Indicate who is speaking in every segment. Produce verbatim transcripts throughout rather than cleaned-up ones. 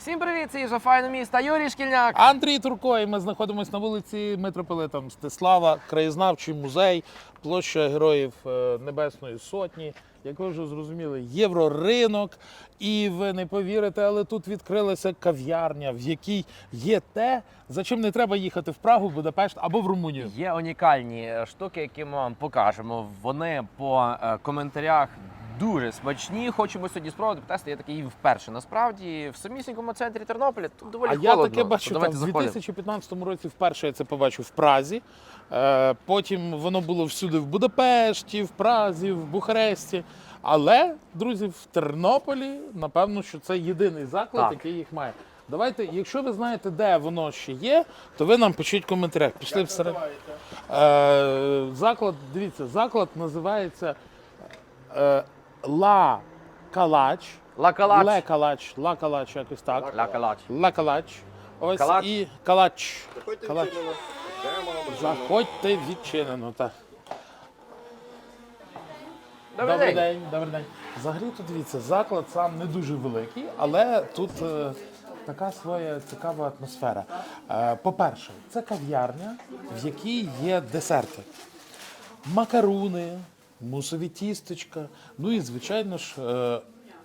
Speaker 1: Всім привіт, це Їжа Файне міста, Юрій Шкільняк.
Speaker 2: Андрій Турко, і ми знаходимося на вулиці Митрополита Мстислава, краєзнавчий музей, площа Героїв Небесної Сотні. Як ви вже зрозуміли, євроринок. І ви не повірите, але тут відкрилася кав'ярня, в якій є те, за чим не треба їхати в Прагу, Будапешт або в Румунію.
Speaker 1: Є унікальні штуки, які ми вам покажемо. Вони по е, коментарях дуже смачні. Хочемо сьогодні спробувати потестити. Я такий вперше. Насправді, в самісінькому центрі Тернополя тут доволі
Speaker 2: А
Speaker 1: холодно.
Speaker 2: я таке бачу там, в дві тисячі п'ятнадцятому році вперше я це побачив в Празі. Е, потім воно було всюди в Будапешті, в Празі, в Бухаресті. Але, друзі, в Тернополі, напевно, що це єдиний заклад,
Speaker 1: Так.
Speaker 2: який їх має. Давайте, якщо ви знаєте, де воно ще є, то ви нам пишіть в коментарях. Пішли всередину. Е, заклад, дивіться, заклад називається е, Ла Калач.
Speaker 1: Ла Калач.
Speaker 2: Ле Калач, Ла Калач, якось так.
Speaker 1: Ла Калач.
Speaker 2: Ла Калач. Ось
Speaker 1: Калач.
Speaker 2: і Калач.
Speaker 3: Заходьте
Speaker 2: Калач.
Speaker 3: відчинено.
Speaker 2: Заходьте відчинено. Так.
Speaker 1: Добрий,
Speaker 2: Добрий
Speaker 1: день.
Speaker 2: день, добрий день. Взагалі тут дивіться, заклад сам не дуже великий, але тут е, така своя цікава атмосфера. Е, по-перше, це кав'ярня, в якій є десерти. Макаруни, мусові тістечка, ну і, звичайно ж, е,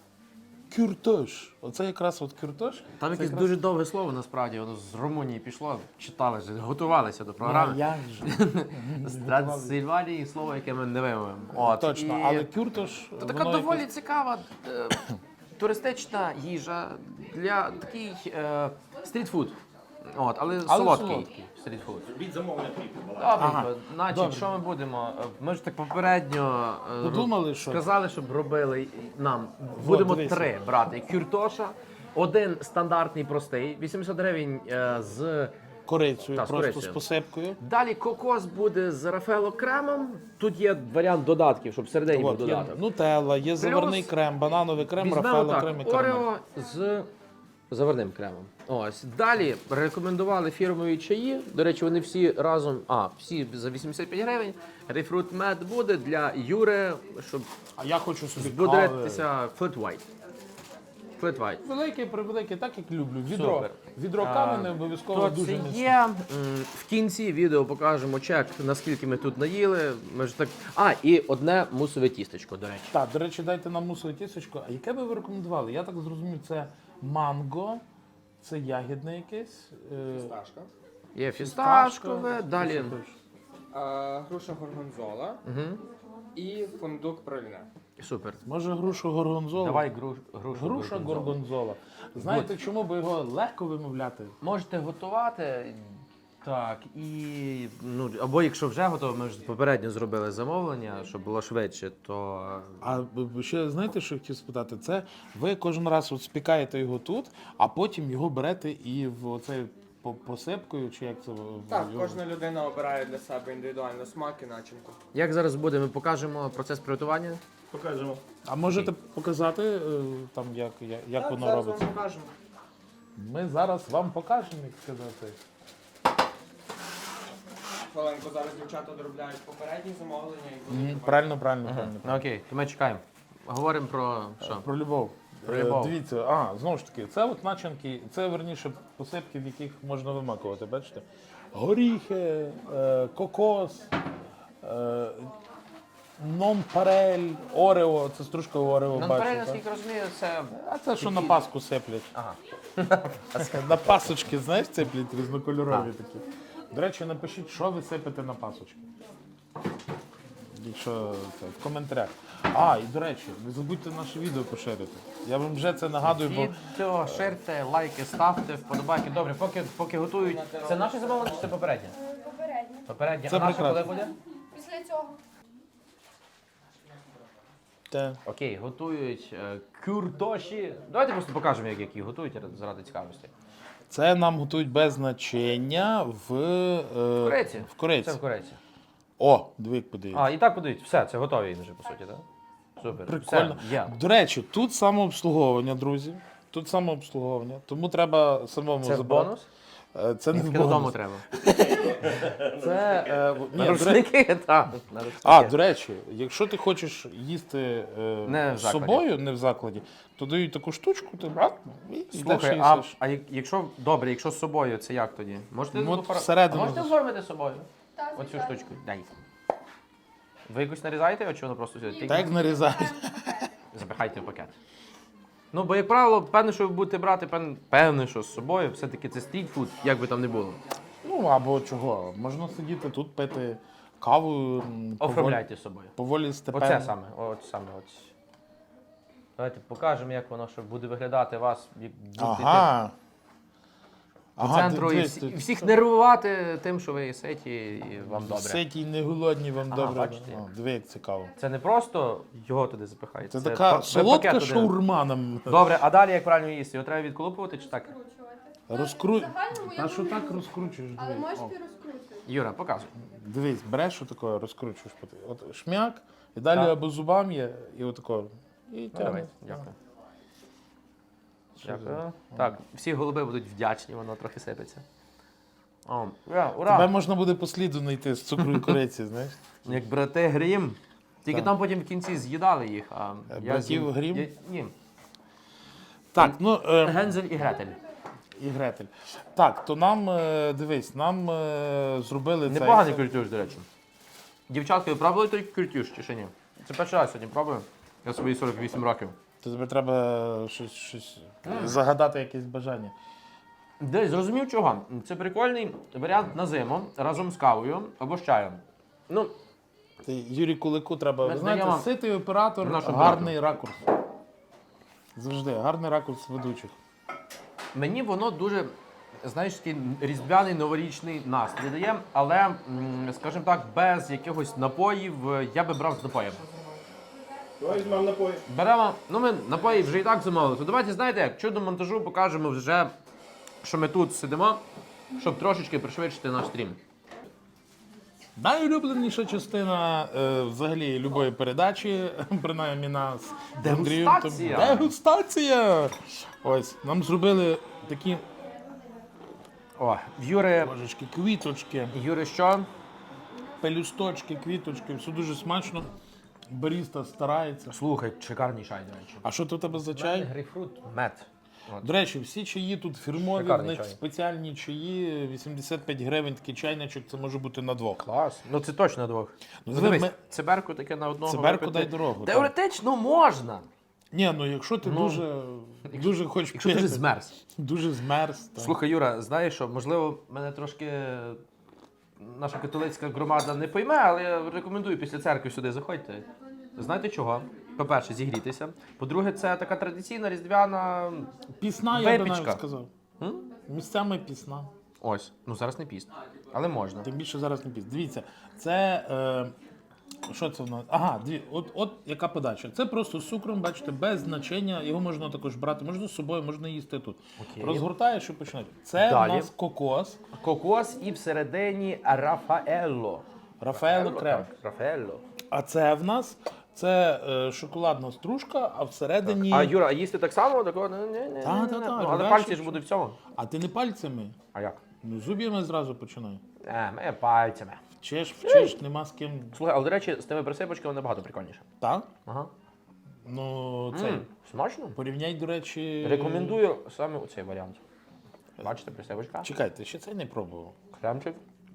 Speaker 2: кюртош. Оце якраз от кюртош.
Speaker 1: Там
Speaker 2: Це
Speaker 1: якесь
Speaker 2: якраз-
Speaker 1: дуже довге слово, насправді, воно з Румунії пішло, читали, готувалися до
Speaker 2: А
Speaker 1: програми.
Speaker 2: як же?
Speaker 1: З Трансильванії слово, яке ми не вимовимо. От,
Speaker 2: Точно,
Speaker 1: і-
Speaker 2: але кюртош...
Speaker 1: То така
Speaker 2: воно
Speaker 1: доволі
Speaker 2: якось-
Speaker 1: цікава е, туристична їжа для такий е, стрітфуд. От, але,
Speaker 2: Але
Speaker 1: солодкий,
Speaker 2: солодкий.
Speaker 1: стрітфуд.
Speaker 3: Робіть замовлення кліпу.
Speaker 1: Добренько. Значить,
Speaker 2: Добре.
Speaker 1: що ми будемо? Е, Ми ж так попередньо е,
Speaker 2: Подумали,
Speaker 1: роб-
Speaker 2: що-
Speaker 1: сказали, щоб робили нам. Будемо
Speaker 2: дивися.
Speaker 1: три брати. Кюртоша, один стандартний простий, вісімдесят гривень е, з...
Speaker 2: Корицею,
Speaker 1: Та, з
Speaker 2: просто
Speaker 1: корицею.
Speaker 2: з посипкою.
Speaker 1: Далі кокос буде з рафело кремом. Тут є варіант додатків, щоб всередині був
Speaker 2: От, є
Speaker 1: додаток.
Speaker 2: нутелла, є заварний крем, банановий крем,
Speaker 1: Візьмемо
Speaker 2: рафаело
Speaker 1: так,
Speaker 2: крем і карамель.
Speaker 1: Орео з заварним кремом. Ось. Далі рекомендували фірмові чаї. До речі, вони всі разом, а, всі за вісімдесят п'ять гривень. Рейфрут мед буде для Юри, щоб
Speaker 2: А я хочу собі кави.
Speaker 1: збудритися Flat White. Flat White.
Speaker 2: Великий, превеликий, так як люблю. Відро.
Speaker 1: Супер.
Speaker 2: Відро кави не обов'язково
Speaker 1: То
Speaker 2: дуже
Speaker 1: це
Speaker 2: міцне.
Speaker 1: є. М, В кінці відео покажемо чек, наскільки ми тут наїли. Ми ж так... А, і одне мусове тістечко, до речі.
Speaker 2: Так, до речі, дайте нам мусове тістечко. А яке би ви рекомендували? Я так зрозумів, це манго, це ягідне якесь. е,
Speaker 3: Сташка.
Speaker 1: Є фісташкове,
Speaker 2: фісташка,
Speaker 1: далі.
Speaker 2: що це теж?
Speaker 3: А, груша горгонзола
Speaker 1: Угу.
Speaker 3: і фундук проліне.
Speaker 1: Супер.
Speaker 2: Може грушу горгонзола?
Speaker 1: Давай груш, грушу.
Speaker 2: Груша
Speaker 1: горгонзолу.
Speaker 2: горгонзола. Знаєте, чому би його легко вимовляти?
Speaker 1: Можете готувати. Так, і ну або якщо вже готово, ми ж попередньо зробили замовлення, щоб було швидше, то
Speaker 2: А б- ще знаєте, що я хотів спитати? Це ви кожен раз от спікаєте його тут, а потім його берете і в оцей по- посипкою, чи як це? в-
Speaker 3: Так,
Speaker 2: його-
Speaker 3: кожна людина обирає для себе індивідуально смак і начинку.
Speaker 1: як зараз буде, ми покажемо процес приготування.
Speaker 3: Покажемо.
Speaker 2: А можете показати е, там, як, як, як
Speaker 3: Так,
Speaker 2: воно
Speaker 3: зараз
Speaker 2: робиться?
Speaker 3: вам покажемо.
Speaker 2: Ми зараз вам покажемо, як сказати.
Speaker 3: Хвилинку, зараз дівчата доробляють попередні замовлення і будуть.
Speaker 2: Мгм, Правильно, правильно, правильно.
Speaker 1: Ну окей, то ми чекаємо. Говоримо про що?
Speaker 2: Про любов.
Speaker 1: Про
Speaker 2: Е,
Speaker 1: любов.
Speaker 2: Дивіться, а, знову ж таки, це от начинки, це верніше посипки, в яких можна вимакувати, бачите? Горіхи, е, кокос, е, нон-парель, орео, це стружка орео,
Speaker 1: Ну,
Speaker 2: бачите?
Speaker 1: наскільки розумію, це
Speaker 2: А це що на паску сиплять.
Speaker 1: ага.
Speaker 2: На пасочки, знаєш, сиплять різнокольорові такі. До речі, напишіть, що ви сипете на пасочки. Якщо це, в коментарях. А, і до речі, не забудьте наше відео поширити. Я вам вже це нагадую, бо
Speaker 1: Відео, ширте, лайки, ставте, вподобайки. Добре, поки поки готують. Це наше замовлення чи це попереднє?
Speaker 4: Попередньо.
Speaker 1: Попереднє.
Speaker 2: Це
Speaker 1: А наше коли
Speaker 2: прекрасно.
Speaker 1: буде?
Speaker 4: Після цього.
Speaker 2: те.
Speaker 1: Окей, готують е, кюртоші. Давайте просто покажемо, як які готують заради цікавості.
Speaker 2: Це нам готують без начиння в, е,
Speaker 1: Куриці.
Speaker 2: в куриці.
Speaker 1: Це в куриці.
Speaker 2: О, диви, як подивіться.
Speaker 1: А, і так подають. Все, це готові вже, по суті, так? Супер.
Speaker 2: Прикольно.
Speaker 1: Все, є.
Speaker 2: До речі, тут самообслуговування, друзі. Тут самообслуговування. Тому треба самому
Speaker 1: Це
Speaker 2: забрати.
Speaker 1: бонус?
Speaker 2: Е, Це не в
Speaker 1: Тільки додому
Speaker 2: бонус.
Speaker 1: треба.
Speaker 2: Це, е, в- ні,
Speaker 1: На
Speaker 2: до речі,
Speaker 1: рушники, так. на рушники.
Speaker 2: а, до речі, якщо ти хочеш їсти е,
Speaker 1: Не в
Speaker 2: з
Speaker 1: закладі.
Speaker 2: собою, не в закладі, то дають таку штучку, ти брат, і йдеш
Speaker 1: Слухай,
Speaker 2: і
Speaker 1: а,
Speaker 2: їсиш.
Speaker 1: а як- якщо добре, якщо з собою, це як тоді? Можете
Speaker 2: Ну, от
Speaker 1: офар-
Speaker 2: всередину
Speaker 1: а можете
Speaker 2: зас-
Speaker 1: оформити з собою?
Speaker 4: Так,
Speaker 1: Оцю
Speaker 4: звичайно.
Speaker 1: штучку. Дай. Ви якось нарізаєте, чи воно просто сюди?
Speaker 2: Так як нарізають.
Speaker 1: Запихайте в пакет. Ну, бо, як правило, певне, що ви будете брати, певне, певне, що з собою, все-таки це стрітфуд, як би там не було.
Speaker 2: Ну, або чого, можна сидіти тут, пити каву, м, поволі,
Speaker 1: Оформляйте з собою.
Speaker 2: поволі степенно.
Speaker 1: Оце саме, от саме. От. Давайте покажемо, як воно що буде виглядати вас, як будете
Speaker 2: Ага.
Speaker 1: йти по центру і,
Speaker 2: дивись,
Speaker 1: всі- і
Speaker 2: тут
Speaker 1: всіх нервувати тим, що ви ситі і вам добре.
Speaker 2: ситі, не голодні, вам
Speaker 1: Ага,
Speaker 2: добре.
Speaker 1: бачите.
Speaker 2: О, диви, як цікаво.
Speaker 1: Це не просто його туди запихаєте.
Speaker 2: Це,
Speaker 1: па-
Speaker 2: така
Speaker 1: ви
Speaker 2: солодка
Speaker 1: пакет туди.
Speaker 2: шаурма нам.
Speaker 1: Добре, а далі як правильно їсти? Його треба відколупувати чи так?
Speaker 4: Розкручувати.
Speaker 2: Розкру...
Speaker 4: В загальному я
Speaker 2: Та що
Speaker 4: думаю,
Speaker 2: так розкручуєш?
Speaker 4: але
Speaker 2: Дивись.
Speaker 4: можеш
Speaker 2: О,
Speaker 4: і розкрутити.
Speaker 1: Юра, показуй.
Speaker 2: дивись, береш отако, розкручуєш. От шмяк, і далі
Speaker 1: Так.
Speaker 2: або зубам є, і отако. І
Speaker 1: Ну, давай,
Speaker 2: тягнеш.
Speaker 1: дякую.
Speaker 2: Що
Speaker 1: Дякую.
Speaker 2: за-
Speaker 1: Так, всі голуби будуть вдячні, воно трохи сипеться. О, ура, ура!
Speaker 2: Тебе можна буде по сліду знайти з цукру і кориці, знаєш?
Speaker 1: Як брати Грім. Тільки
Speaker 2: Так.
Speaker 1: там потім в кінці з'їдали їх, а
Speaker 2: Е,
Speaker 1: я
Speaker 2: братів
Speaker 1: з'їв-
Speaker 2: Грім?
Speaker 1: Я- Ні.
Speaker 2: Так, ну е,
Speaker 1: Гензель і Гретель.
Speaker 2: і Гретель. Так, то нам, е, дивись, нам е, зробили цей.
Speaker 1: Непоганий культюш, до речі. Дівчатки, ви пробували той культюш чи ще ні? Це перший раз сьогодні пробую. Я свої сорок вісім років.
Speaker 2: То тобі треба щось, щось загадати, якесь бажання.
Speaker 1: Десь зрозумів чого. Це прикольний варіант на зиму разом з кавою або з чаєм. Ну,
Speaker 2: Ти, Юрій Кулику треба,
Speaker 1: Ми
Speaker 2: ви знаєте,
Speaker 1: знаємо
Speaker 2: ситий оператор,
Speaker 1: нашого
Speaker 2: гарний ракурс. Завжди, гарний ракурс ведучих.
Speaker 1: мені воно дуже, знаєш, такий різдвяний новорічний настрій дає, але, м, скажімо так, без якихось напоїв е, я би брав з напоєм.
Speaker 3: Давай візьмемо напої.
Speaker 1: Беремо, ну ми напої вже і так замовили. То давайте, знаєте, як чудо монтажу покажемо вже, що ми тут сидимо, щоб трошечки пришвидшити наш стрім.
Speaker 2: Найулюбленіша частина е, взагалі любої передачі, принаймні нас. з Андрієм, то-
Speaker 1: Дегустація.
Speaker 2: Дегустація! Ось, нам зробили такі
Speaker 1: О, в Юри,
Speaker 2: божечки, квіточки,
Speaker 1: Юри що?
Speaker 2: пелюсточки, квіточки, все дуже смачно. Баріста старається.
Speaker 1: Слухай, шикарний чай, до речі.
Speaker 2: А що тут у тебе за чай?
Speaker 1: Грейпфрут, мед.
Speaker 2: До речі, всі чаї тут фірмові, в
Speaker 1: Шикарний
Speaker 2: них
Speaker 1: чай.
Speaker 2: спеціальні чаї, вісімдесят п'ять гривень такий чайничок, це може бути на двох.
Speaker 1: Клас. Ну це точно на двох.
Speaker 2: Ну,
Speaker 1: Ну,
Speaker 2: диви,
Speaker 1: дивись,
Speaker 2: ми-
Speaker 1: циберку таке на одного.
Speaker 2: Циберку
Speaker 1: випити.
Speaker 2: дай дорогу, так.
Speaker 1: Теоретично можна.
Speaker 2: Ні, ну якщо ти
Speaker 1: Ну,
Speaker 2: дуже, дуже хочеш
Speaker 1: Якщо ти
Speaker 2: пити,
Speaker 1: вже змерз.
Speaker 2: дуже змерз. то-
Speaker 1: Слухай, Юра, знаєш що, можливо, мене трошки наша католицька громада не пойме, але я рекомендую після церкви сюди заходьте. Знаєте чого? По-перше, зігрітися. По-друге, це така традиційна різдвяна.
Speaker 2: Пісна, я би
Speaker 1: Випічка.
Speaker 2: навіть сказав.
Speaker 1: М?
Speaker 2: Місцями пісна.
Speaker 1: Ось, ну зараз не піст, але можна.
Speaker 2: Тим більше зараз не пісня. Дивіться, це. Е, що це в нас? Ага, дві, от, от яка подача. Це просто з цукром, бачите, без значення. Його можна також брати, можна з собою, можна їсти тут.
Speaker 1: Окей.
Speaker 2: Розгортаєш і починаєш. Це
Speaker 1: Далі.
Speaker 2: в нас кокос,
Speaker 1: Кокос і всередині Рафаелло.
Speaker 2: Рафаело крем.
Speaker 1: Так, Рафаелло.
Speaker 2: А це в нас це е, шоколадна стружка, а всередині.
Speaker 1: А Юра, а їсти так само? Такого? Ні, ні, ні,
Speaker 2: Та,
Speaker 1: ні,
Speaker 2: та,
Speaker 1: ні.
Speaker 2: та,
Speaker 1: Ну, але
Speaker 2: далі
Speaker 1: пальці ж
Speaker 2: що?
Speaker 1: будуть в цьому.
Speaker 2: А ти не пальцями?
Speaker 1: А як?
Speaker 2: Ну, зуб'ями зразу починай.
Speaker 1: Е, ми пальцями.
Speaker 2: Вчиш, вчиш, нема з ким.
Speaker 1: Слухай, але, до речі, з тими присипочками набагато прикольніше.
Speaker 2: Так?
Speaker 1: Ага.
Speaker 2: Ну, цей.
Speaker 1: М, Смачно?
Speaker 2: Порівняй, до речі.
Speaker 1: Рекомендую саме оцей варіант. Бачите, присипочка,
Speaker 2: Чекайте, ще це не пробував.
Speaker 1: кремчик.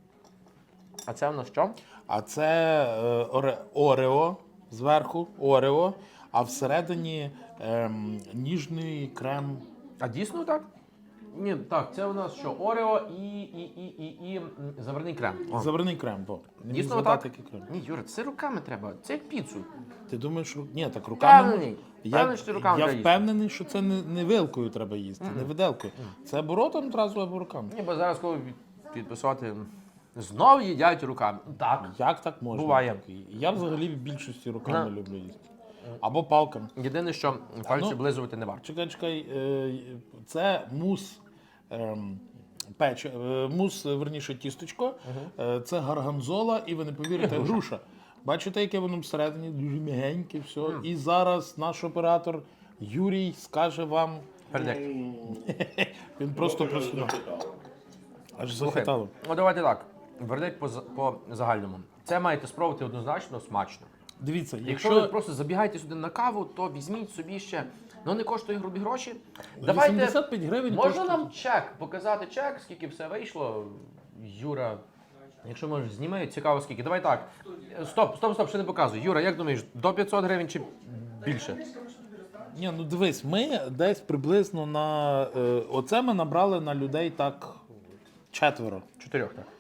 Speaker 1: А це в нас що?
Speaker 2: А це е, оре, Орео зверху, Орео, а всередині ем, ніжний крем.
Speaker 1: А дійсно так? Ні, так, це у нас що? Орео і, і, і, і, і м, заварний крем. О.
Speaker 2: Заварний крем, бо. Не міг
Speaker 1: Дійсно
Speaker 2: згадати,
Speaker 1: так?
Speaker 2: який крем.
Speaker 1: Ні, Юра, це руками треба. Це як піцу.
Speaker 2: Ти думаєш, ру- ні, так руками.
Speaker 1: Впевнений.
Speaker 2: Я,
Speaker 1: Впевнений, що ти руками
Speaker 2: я
Speaker 1: треба їсти.
Speaker 2: впевнений, що це не, не вилкою треба їсти, не виделкою. Це або ротом одразу, або руками.
Speaker 1: Ні, бо зараз коли від- підписати, знов їдять руками. Так.
Speaker 2: Як так можна?
Speaker 1: Буває.
Speaker 2: Так, і Я взагалі в більшості руками
Speaker 1: На.
Speaker 2: люблю їсти. Або палками.
Speaker 1: Єдине, що пальці
Speaker 2: ну.
Speaker 1: облизувати не варто.
Speaker 2: Чекай, чекай, е, це мус. ем, Печ, е, мус, е, верніше, тістечко, Е, це гарганзола, і ви не повірите, груша. Бачите, яке воно всередині, дуже м'ягеньке, все. І зараз наш оператор Юрій скаже вам,
Speaker 1: Передек.
Speaker 2: він просто просунув. Аж
Speaker 1: Слухай,
Speaker 2: захитало.
Speaker 1: ну давайте так. Вердикт по, за- по загальному. Це маєте спробувати однозначно смачно.
Speaker 2: Дивіться,
Speaker 1: Якщо ви
Speaker 2: якщо
Speaker 1: просто забігаєте сюди на каву, то візьміть собі ще. Ну не коштує грубі гроші. Давайте.
Speaker 2: вісімдесят п'ять гривень
Speaker 1: Можна
Speaker 2: коштує.
Speaker 1: нам чек, показати чек, скільки все вийшло. Юра, якщо можеш, зніми, цікаво скільки. Давай так. Стоп, стоп, стоп, ще не показуй. Юра, як думаєш, до п'ятсот гривень чи більше?
Speaker 2: Ні, ну дивись, ми десь приблизно на е, оце ми набрали на людей так четверо.
Speaker 1: Чотирьох, так.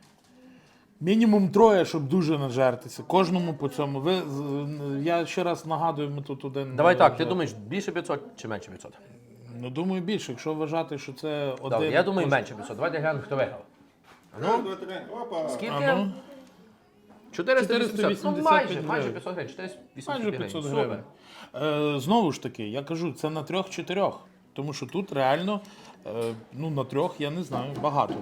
Speaker 2: Мінімум троє, щоб дуже нажертися. Кожному по цьому. Ви з- я ще раз нагадую, ми тут один.
Speaker 1: Давай так, ти
Speaker 2: вже-
Speaker 1: думаєш, більше п'ятсот чи менше п'ятсот?
Speaker 2: Ну думаю, більше, якщо вважати, що це один.
Speaker 1: Добре, я думаю,
Speaker 2: кожен-
Speaker 1: менше п'ятсот. Давайте глянемо, хто виграв. Ну,
Speaker 2: А
Speaker 1: скільки?
Speaker 2: ну,
Speaker 1: чотириста вісімдесят. Ну,
Speaker 2: чотириста
Speaker 1: майже,
Speaker 2: вісімдесят
Speaker 1: майже
Speaker 2: гривень.
Speaker 1: п'ятсот гривень. чотириста вісімдесят
Speaker 2: майже
Speaker 1: гривень.
Speaker 2: п'ятсот
Speaker 1: Супер.
Speaker 2: гривень. Е, знову ж таки, я кажу, це на трьох-чотирьох. Тому що тут реально, е, ну на трьох, я не знаю, багато.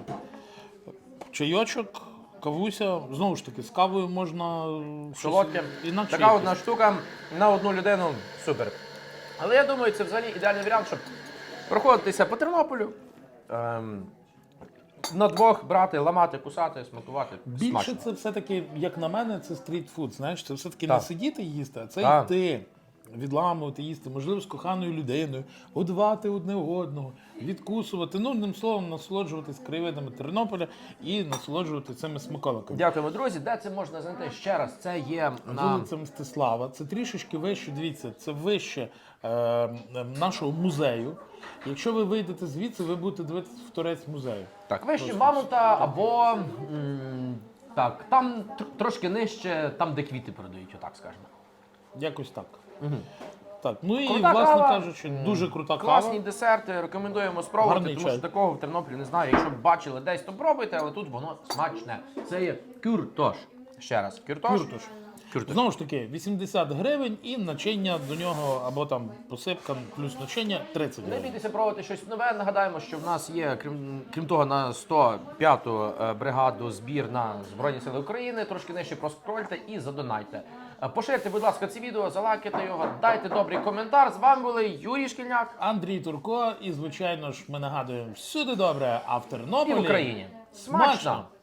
Speaker 2: Чайочок, кавуся, знову ж таки, з кавою можна щось
Speaker 1: Солодке.
Speaker 2: інакше.
Speaker 1: Така
Speaker 2: якось.
Speaker 1: одна штука на одну людину супер. Але я думаю, це взагалі ідеальний варіант, щоб проходитися по Тернополю. Ем, на двох брати, ламати, кусати, смакувати.
Speaker 2: Більше
Speaker 1: Смачно.
Speaker 2: це все-таки, як на мене, це стрітфуд. Знаєш, це все-таки
Speaker 1: Так.
Speaker 2: не сидіти їсти, а це
Speaker 1: Так.
Speaker 2: йти, відламувати, їсти, можливо, з коханою людиною, годувати одне одного, відкусувати. Ну, одним словом, насолоджуватись краєвидами Тернополя і насолоджувати цими смаколиками.
Speaker 1: Дякуємо, друзі. Де це можна знайти? Ще раз, це є на...
Speaker 2: Вулиця Мстислава. Це трішечки вище, дивіться, це вище е, е, нашого музею. Якщо ви вийдете звідси, ви будете дивитися в торець музею.
Speaker 1: Так, вище Мамонта або... м, так, там тр- трошки нижче, там, де квіти продають, отак скажемо.
Speaker 2: Якось так. Так, ну і,
Speaker 1: Крута
Speaker 2: власне
Speaker 1: кава.
Speaker 2: кажучи, дуже крута
Speaker 1: Класні
Speaker 2: кава.
Speaker 1: десерти, рекомендуємо спробувати,
Speaker 2: Гарний
Speaker 1: тому
Speaker 2: чай.
Speaker 1: що такого в Тернополі не знаю. Якщо б бачили десь, то пробуйте, але тут воно смачне. Це є кюртош. Ще раз, кюртош.
Speaker 2: Кюртош.
Speaker 1: Кюртош.
Speaker 2: Знову ж таки, вісімдесят гривень і начиння до нього, або там посипка плюс начиння тридцять
Speaker 1: Не
Speaker 2: гривень.
Speaker 1: бійтеся пробувати щось нове. Нагадаємо, що в нас є, крім, крім того, на сто п'яту е, бригаду збір на Збройні Сили України. Трошки нижче проскрольте і задонайте. Е, Поширте, будь ласка, це відео, залайкайте його, дайте добрий коментар. З вами були Юрій Шкільняк
Speaker 2: Андрій Турко, і звичайно ж ми нагадуємо всюди добре, а в Тернополі
Speaker 1: і в Україні.
Speaker 2: смачно!
Speaker 1: Смачно!